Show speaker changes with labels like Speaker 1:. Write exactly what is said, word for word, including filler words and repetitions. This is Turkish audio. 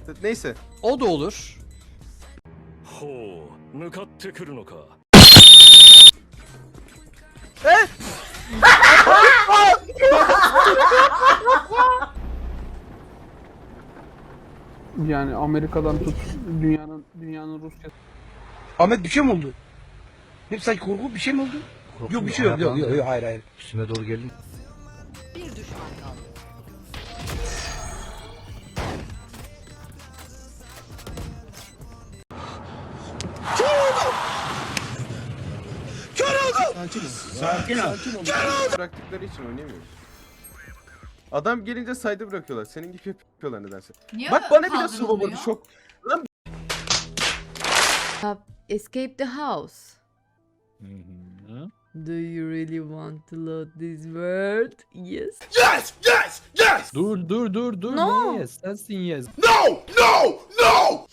Speaker 1: Neyse.
Speaker 2: O da olur.
Speaker 3: ほう向かってくるのか
Speaker 4: Yani Amerika'dan tut dünyanın dünyanın Rusya.
Speaker 5: Ahmet bir şey mi oldu? Ne sanki korku bir şey mi oldu? Yok bir şey yok yok yok, yok hayır hayır.
Speaker 6: Üstüme doğru geldin.
Speaker 7: Bir düşman kaldı.
Speaker 1: Sakin ol. Bıraktıkları için oynayamıyoruz. Adam gelince saydı bırakıyorlar. Senin gibi yapıyorlar nedense.
Speaker 8: Niye
Speaker 1: Bak bana bile
Speaker 8: kaldırılmıyor?
Speaker 1: su vurdu çok.
Speaker 7: Escape the house. Do you really want to load this world? Yes.
Speaker 5: Yes yes yes.
Speaker 2: Dur dur dur dur.
Speaker 7: No.
Speaker 2: Ne yes? Sensin yes.
Speaker 5: No no no.